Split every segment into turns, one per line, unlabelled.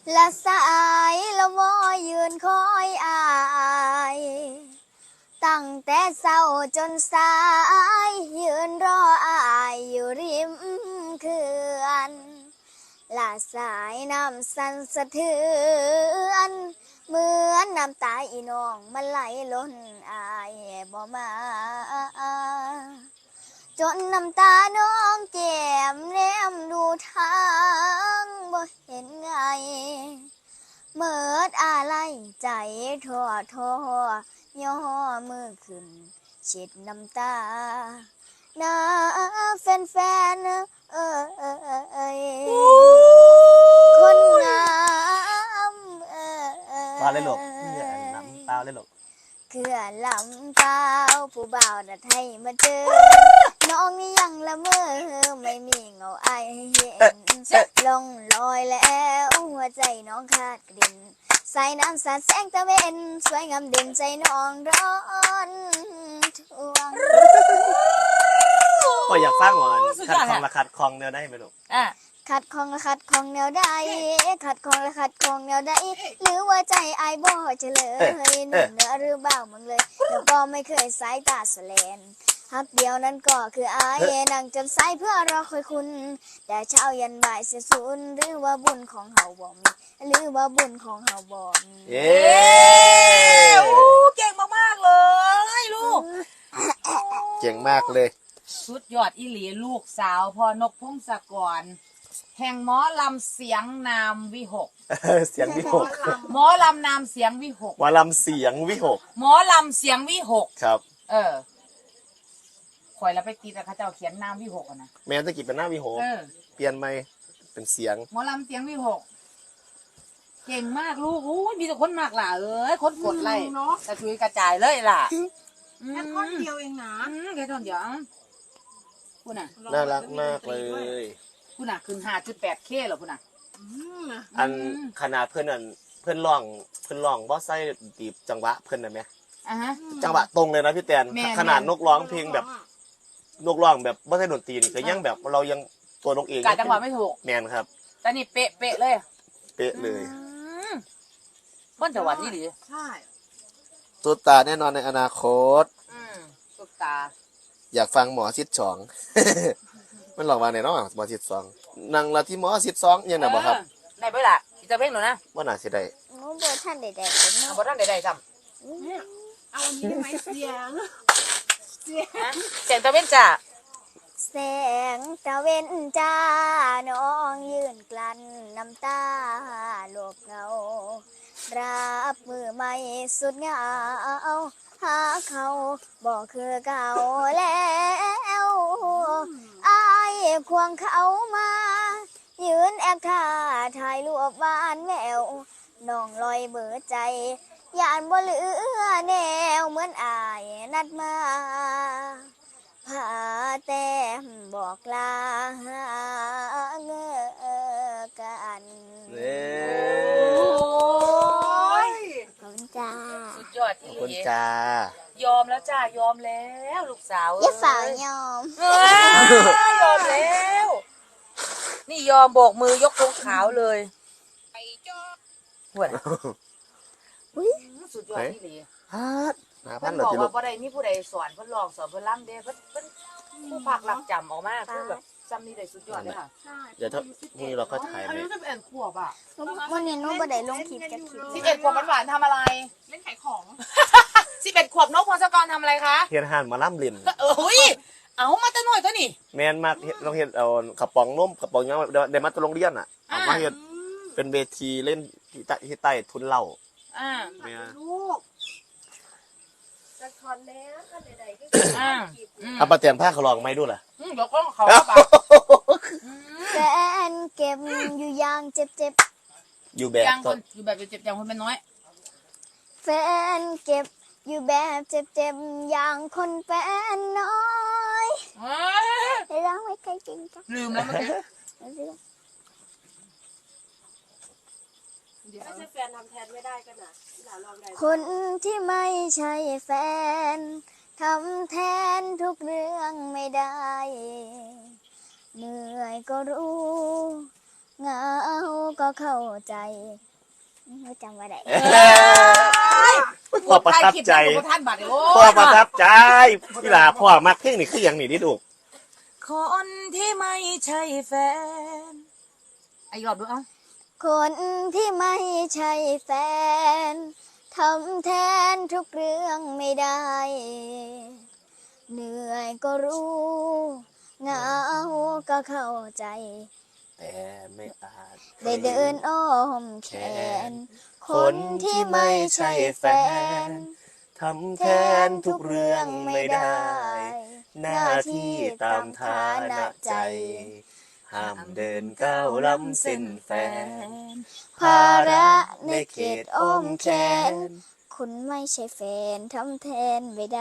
ละสายละวอยืนคอยอายตั้งแต่เช้าจนสายยืนรออายอยู่ริมเขื่อนละสายน้ำสั่นสะเทือนเหมือนน้ำตาอีน้องมันไหลล้นอายบ่มาจนน้ำตาน้องแก้มแนมดูทางบ่เห็นไงเมิดอะไรใจท้อย่อมือขึ้นเช็ดน้ำตาน้าแฟนๆคนงาม
ตาเลยลูกนี่น้ำตาเลยลูก
เขื่อนลำเปล่าผู้บ่าวนัดให้มาเจอน้องนี่ยังละเมอไม่มีเงาไอเห็นลงลอยแล้วหัวใจน้องขาดกลิ่นสายน้ำสาดแสงตะเวนสวยงามเด่นใจน้องร้อนทวง
ก็อยากสร้างวันคัดคลองละคัดคลองแนวได้ไหมลูก
ขัดของละขัดของแนวใดขัดของละขัดของแนวใดหรือว่าใจไอ้บ่เฉลยหนุ่มเนื้อหรือเบามึงเลยแล้วก็ไม่เคยสายตาสแลนฮักเดียวนั้นก็คือไอ้นั่งจนสายเพื่อรอคอยคุณแต่เช้ายันบ่ายเสียสูญหรือว่าบุญของเฮาบ่มีหรือว่าบุญของเฮาบ่มี
เก่งมากๆเลยลูก
เก่งมากเลย
สุดยอดอีหลีลูกสาวพ่อนกพงศกรแห่งหมอลำเสียงนามวิหก
เสียงวิหก
หมอลำนามเสียงวิหก
หมอลำเสียงวิหก
หมอลำเสียงวิหก
ครับ
ข่อยแล้วไปตีแต่เขาเจ้าเขียนนามวิหกนะ
แม่ตะกี้เป็นหน้าวิหกเปลี่ยนไหมเป็นเสียง
หมอลำเสียงวิหกเก่งมากลูกอู้มีแต่คนมากล่ะคนกดไล่กระจุยกระจายเลยล่ะ
แค่ท่อนเดียวเองนะ
แค่ท่อนเดียวคุณน่ะ
น่ารักมากเลย
คุณน่ะขึ้น5.8K เหรอคุณน่ะ
อันขนาดเพื่อนร้องบอสไซดีบจังหวะเพื่อนได้ไหมจังหวะตรงเลยนะพี่แตนขนาดนกร้องเพลงแบบนกร้องแบบบอสไซดนตรีนี่ก็ยังแบบเรายังตัวนกเอง
กะจังหวะไม่ถูก
แมนครับ
แต่นี่เป๊ะเลย
เป๊ะเลย
บ้านจังหวัดนี่หรือ
ใช่
ตุ๊ตาแน่นอนในอนาคต
ตุ๊ตา
อยากฟังหมอชิดสองมันหลอกมาไหนเนาะหมอชิดสองนั่งละที่หมอชิดสองยังไงบ่ครับ
ได้เปล่าจะเพ่งหนูนะ
ว่าน่าสิได้
โบท่านใดๆ
โบท่านใดๆจ
ำเอาอันนี้ได้ไหมเสียง
ตะเว้นจ้า
แสงตะเว้นจ้าน้องยืนกลั้นน้ำตาโลบเงารับมือไม่สุดเหงาหาเขาบอกคือเก่าแล้วอายควงเขามายืนแอบท่าถ่ายรูปบ้านแววน้องลอยเบิดใจยานบ่เหลือแนวเหมือนอายนัดมาพาแต้มบอกลาเงกันขอบคุณจ้า
สุดยอดที่
ขอบคุณจ้าย
อมแล้วจ้ายอมแล้วลูกสาว
อย่าฝ่ายอม
ยอมแล้วนี่ยอมโบกมือยกธงขาวเลยไอ้จ้าหัวสุดยอดที่ดีเพิ่นบอกว่าบ่ได้มีผู้ใดสอนเพิ่นลองสอนเพิ่นล่ำเด้เพิ่นผู้ภาคหลักจำออกมาคือแบบจำนี่ได้สุดยอดเลยค่ะ
เดี๋ยวถ้านี่เราก็ถ่าย
อายุ11 ขวบอ่ะ
วันนี้นุ๊กบ่ได้ลงคลิปจะคลิป
11 ขวบหวานๆทำอะไร
เล่นขายของ
11 ขวบนกพงศกรทำอะไรคะ
เฮียนหันมาล่ำลิน
เอามาจะหน่อยตัวนี่
แมนมากเราเห็นเอากระป๋องนมกระป๋องยังเดมัตตโรงเรียนอ่ะเอามาเห็นเป็นเวทีเล่นที่ใต้ทุนเหล้า
ลูกจะทอนแล้วกันใดๆก็
เอาประเตียนผ้าเขาลองไม่ดูล่ะ
เดี๋ยวก็เขาปะ
แฟนเก็บอยู่อย่างเจ็บ
อยู่แบบ
อยู่แบบเจ็บอย่างคนเป็นน้อย
แฟนเก็บอยู่แบบเจ็บอย่างคนเป็นน้อยให้ร้องไว้ใครจริงจ้ะ
ลืมแล้วเมื่อกี้
ไม่ใช่แฟนทำแทนไม่ได้กันนะ
คนที่ไม่ใช่แฟนทำแทนทุกเรื่องไม่ได้เหนื่อยก็รู้เหงาก็เข้าใจจำว่าได้
พ่อประทับใจ
ท่านบัดโอ้
พ่อประทับใจพี่หลาพ่อมักเพลงนี่คืออย่างนี้ดิลูก
คนที่ไม่ใช่แฟนไอ้ยอบดูเอ้า
คนที่ไม่ใช่แฟนทำแทนทุกเรื่องไม่ได้ เหนื่อยก็รู้เหงาก็เข้าใจ
แต่ไม่อาจ
ได้เดินอ้อมแขน คนที่ไม่ใช่แฟน
ทำแทนทุกเรื่องไม่ได้ หน้าที่ตามฐานะใจ ห้ามเดินก้าวล้ำเส้นแฟน
ภาระในเขตอ้อมแขน คุณไม่ใช่แฟนทำแทนไม่ได้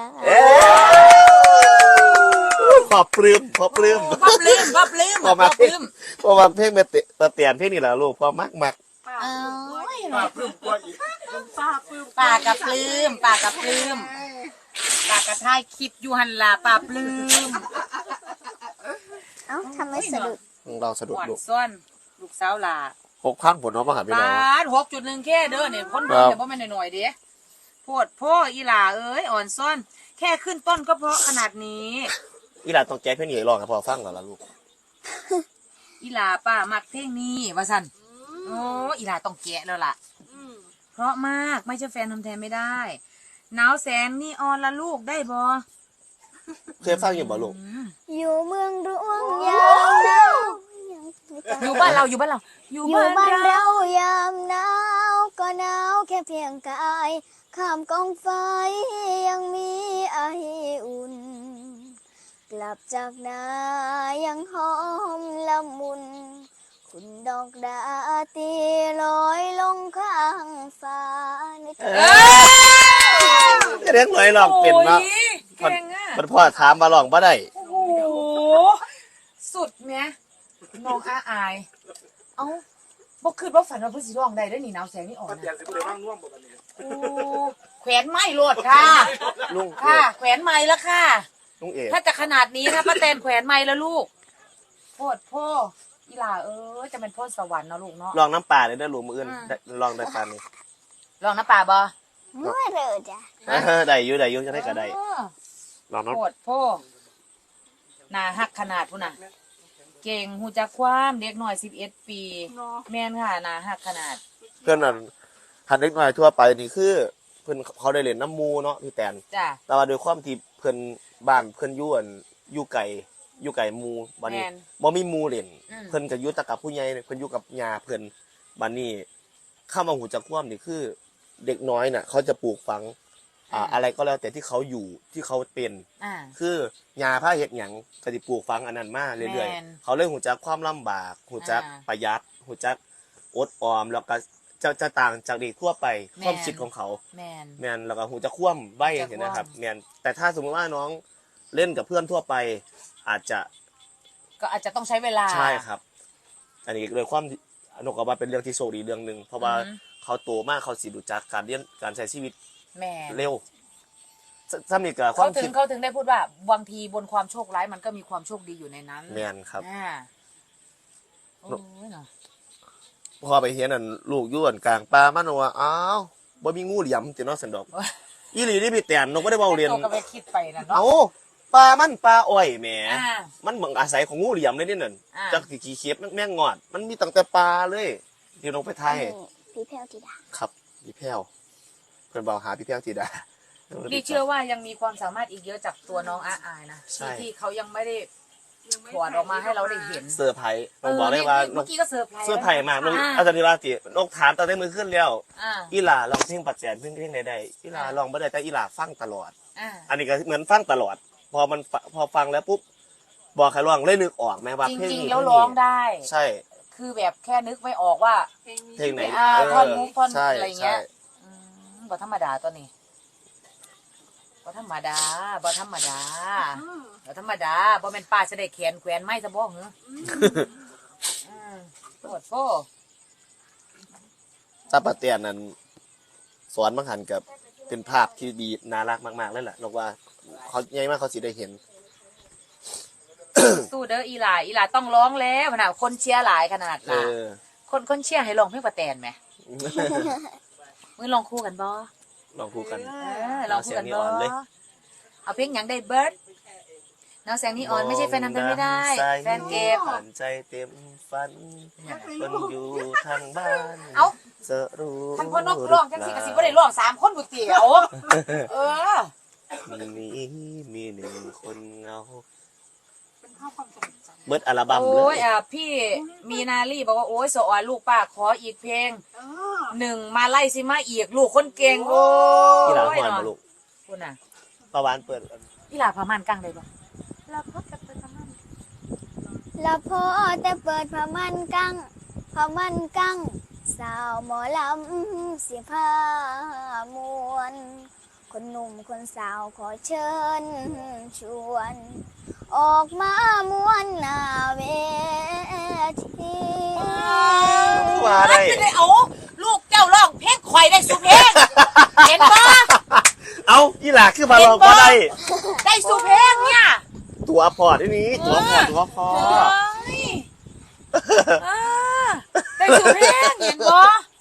พอปลื้มพอปลื้ม
บับลืม
พอมาเพลงพอมาเพลงมาเตียนเพลงนี่แหละลูกพอมัก
ป้าปลื้มกว่าอีกป้าปลื้ม
ปากกับปลื้มปากกับปลื้มปากกับท้ายคลิปอยู่หันล่ะปากปลื้ม
เอ้าทำไมสะดุด
เราสะดุ
ห
ด
วาน
ลูก
ซ้อนลูกสาวล่ะ
6,000ผลน้องมาหาพี่น้อง
บาท6.1แค่เด้อเนี่ยคนเบิ่งแต่บ่แม่นหน่อยๆเด้โพดพ่ออีหล่าเอ้ยอ่อนซ่อน แค่ขึ้นต้นก็เพราะขนาดนี้
อีหลาต้องแก้เพลงนี้ร้องให้พอฟังก่อนละลูก
อีหล่าป้ามักเพลงนี้ว่าซั่นโอ้อีหล่าต้องแกะแล้วล่ะ เพราะมากไม่ใช่แฟนทำแทนไม่ได้หนาวแสงนี่ออนละลูกได้บ่
เคยฟังอยู่บ่ลูก
อยู่เมืองหลวงยามหนาว
อยู่บ้านเราอยู่บ้านเรา
อยู่บ้านเรายามหนาวก็หนาวแค่เพียงกายข้ามกองไฟยังมีไออุ่น กลับจากนายังหอมละมุน คุณดอกดาตีลอยลงข้างฟ้านึกถึง
เรียกหน่อยลองเป็นเนาะ
โอ้ยเก่งอ่ะ
มันพ่อถามมาลองบ่ได้
โอ้โหสุดแม่น้องอาอาย เอ้าบ่คืนบ่ฝันว่าเพิ่นสิร้องได้เด้อนี่หนาวแสงนี่อ่อน
เปลี่ย
นะ
นสิบ่ได้ว่างน่วมบ่บัดนี้
โอ้แขวนไม้โลดค่ะ
ลุงเอ
ค่ะ
ก
แขวนไม้แล้วค่ะ
ลุงเอก
ถ้าจะขนาดนี้นะป้าแตนแขวนไม้แล้วลูกโพดพ่ออีหล่าเอ้ยจะเป็นพ่อสวรรค์เนาะลูกเนาะ
ลองน้ำปลาเลยได้อลูกมืออื่นได้ลองได้ปลานี่
ลองน้ำปลาบ่
เมื่อเร็วจ้ะ
ได้อยู่จะได้ก็ได้
เออ
ลองน้
โพดพ่อหน้าหักขนาดพุ่นน่ะ เก่งหูจักความเด็กหน่อย11 ปี แม่นค่ะหน้าหักขนาด
ำเพื่อนนั่นหันเล็กน้อยทั่วไปนี่คือเพื่อนเขาได้เล่นน้ำมูเนาะพี่แตน
จ้ะ
แต่ว่าโดยความที่เพื่อนบ้านเพื่อนอยู่อั่นอยู่ไก่หมูบัดนี้
แม่น
บ่มีหมูเล่น
อืม
เพิ่นก็อยู่แต่กับผู้ใหญ่เพิ่นอยู่กับยาเพิ่นบัดนี้เข้ามาหูจักความนี่คือ เด็กน้อยน่ะ เขาจะปลูกฝังอะไรก็แล้วแต่ที่เขาอยู่ที่เขาเป็น
อ่า
คือยาผ้าเฮ็ดหยังก็สิปลูกฝังอันนั้นมาเรื่อย
แม่น
ๆเขาเลยหูจักความลำบากหูจัก
อ่า
ประหยัดหูจักอดออมแล้วก็จะต่างจากเด็กทั่วไป
แม่น
ความคิดของเขา
แม่น
แม่นแล้วก็หูจักคว่ำใบ
หูจัก
เห็นนะครับ
คว่ำ
แม่นแต่ถ้าสมมติว่าน้องเล่นกับเพื่อนทั่วไป อาจจะ
ก็อาจจะต้องใช้เวลา
ใช่ครับ อันนี้เลยความนกออกมาเป็นเรื่องที่โชคดีเรื่องหนึ่งเพราะว่า
อือฮึ
เขาโตมากเขาสิรู้จักการเรียนการใช้ชีวิต
แม่น
เร็วซ้ำนี่กับควา
เขา
ม
ถึ
คิ
ง
ด
เขาถึงได้พูดว่าบางทีบนความโชคร้ายมันก็มีความโชคดีอยู่ในนั้น
แม่นครับ
อ่าโอ้ยเนาะ
พอไปเห็นนั่นลูกอยู่อันกลางป่ามันว่าอ้าวบ่มีงูเหลี่ยมติเนาะสันดอกอีหลีนี่พี่แตนนกบ่ได้เว้าเรียน
โตก็ไปคิดไปนะเนาะ
เอ้าปลามันปลาอ้อยแหม
อ่า
มันเหมือนอาศัยของงูเหลี่ยมเลยนี่นั่น
อ่า
จักสิขี้เข็บแม่งงอด มันมีตั้งแต่ปลาเลยที่ลงไปไทย
พี่แพรวธิดา
ครับพี่แพ้วเพิ่นบอกหาพี่แพ้วธิดา
ดีเชื่อว่ายังมีความสามารถอีกเยอะจากตัวน้องอาอายนะ
ใช่
ที่เขายังไม่ได้ถอดออกมาให้เราได้เห็น
เซอร์ไพรส์ต้องบอกเลยว่าน
เมื่
ก
อกี้ก็เซอร์ไพรส์
เสื้อไผ่มากนก
อ่
อาจารย์นิราตินกถามตอนได้มือขึ้นแล้ว
อ่า
อีหลาลองเพลงปัจแจนเพลงใดๆอีหลาลองบ่ได้แต่อีหลาฟังตลอด
อ่า
อันนี้ก็เหมือนฟังตลอด พอฟังแล้วปุ๊บบอกใครร้องเลยนึกออกไหมว่า
จ
เพลง
ริง
นี้
ๆแล้วร้องได้
ใช่
คือแบบแค่นึกไม่ออกว่า
เพลงไหน
ท่อนมุกท่อน
ใช่
อะไรเงี้ย
ใช่
บ่ธรรมดาตัวนี้บ่ธรรมดาบ่ธรรมดาบ่ธรรมดาบ่แม่นป้าจะได้แขนแขวนไม้ซะบ่เหรอโคตรโฟ
ตาปะเตียนนั้นสอนบางหันกับเป็นภาพที่ดีน่ารักมากๆเลยแหละนกว่าเขาใหญ่มากเขาสิได้เห็น
สู้เด้ออีหลาต้องร้องแล้วขนาดคนเชียร์หลายขนาด
เอ
ล่ะ
อ
คนเชียร์ให้ร้องเพลงป้าแตนไหมมึงลองคู่กันบ่
ลองพูดกัน
ลองคู่กันบ่
เอาเสียงนีออนเลย
เอาเพลงหยังได้เบิร์ดน้องแสงนีออนไม่ใช่แฟนทำเป็นไม่ได้ แฟนเก็บ
ผ่านใจเต็มฝันคนอยู่ทางบ้าน
เอ้า
จะรู้
ท่านพ่อนกร้องจังสิกะสิบ่ได้ร้อง3 คนบุเตียวเออ
มีหนึ่งคนเงา
เป็นภาพความทรงจำ
เบิดอัลบั้มเล
โอ้ย
ย
พี่มีนาลี่บอกว่าโอ้ยสออนลูกป้าขออีกเพลง
เออ
1มาไล่สิมาอีกลูกคนเก่งโอ้ย
ที่หลังหอนมาลูก
คุณน่ะ
ประวานเปิด
พี่หลาพามันกังได้บ่
แล้วก็จะเป็นประมาณ
ละพอแต่เปิดผ้ามันกังสาวหมอลำสิพามวน คนหนุ่มคนสาวขอเชิญชวน ออกมามวนหน้าเวที
ว่าได้
ไม่ได้เอาลูกเจ้าร้องเพลงข่อยได้สุเพลงเห็นบ่
เอาอีหลาคือมาลองก็ได้
ได้สุเพลงเนี่ย
ตัวพอร์ตที่นี้ตัวพอ
เฮ้ยอ่าได้สุเพลงเห็นบ่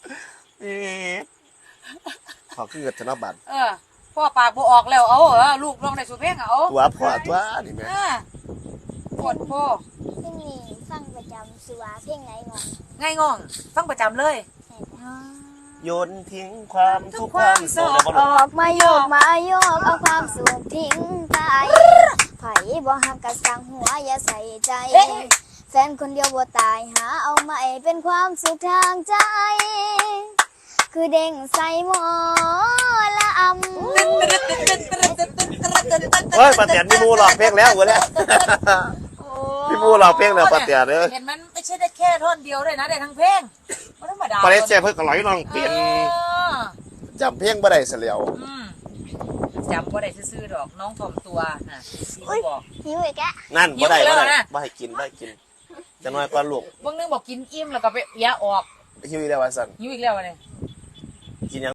ขอขึ้นกับธนบัตร
พ่อปากบ่ออกแล้วเอาลูกร้องได้สุเพลงเอา
ตัวพอร์ตตัวนี่แม่
ปวดพ่อ
เพลงนี้ฟังประจำสุวาเพลงไหนงอน
ง่ายงองฟังประจำเลย
โยนทิ้งความทุกข์ความโศก
ออกมาโยกเอาความสุขทิ้งไปไผบ่หักกะสั่งหัวอย่าใส่ใจ แฟนคนเดียวบ่ตายหาเอาใหม่เป็นความสุขทางใจ คือเด้งใส่หมอละอำ
เฮ้ยป้าเตียนพี่มูหลอกเพลงแล้วเว้ยเนี่ยพี่มูหลอกเพลงแล้วป้าเตียนเด้อ
เห็นมันไม่ใช่ได้แค่ท่อนเดียวด้วยนะได้ทั้งเพลงไม่ธรรมดา
ปาเลสเซ่เพิ่งก็ร้อยลองเปลี่ยนจำเพลงบ่ได้เสียแล้ว
จำว่าได้ซื้อๆดอกน้องถ่อมตัวน่ะพี่บอก
หิวอีกแกะ
นั่นบ่ได้
หิว
บ่
แล้ว
ได้
นะ
บ่ให้กินจะน้อยกว่าลูก
บางนึงบอกกินอิ่มแล้วก็ไปเปียออก
หิวอีแล้วว่าซั่น
หิวอีกแล้วเนี่ย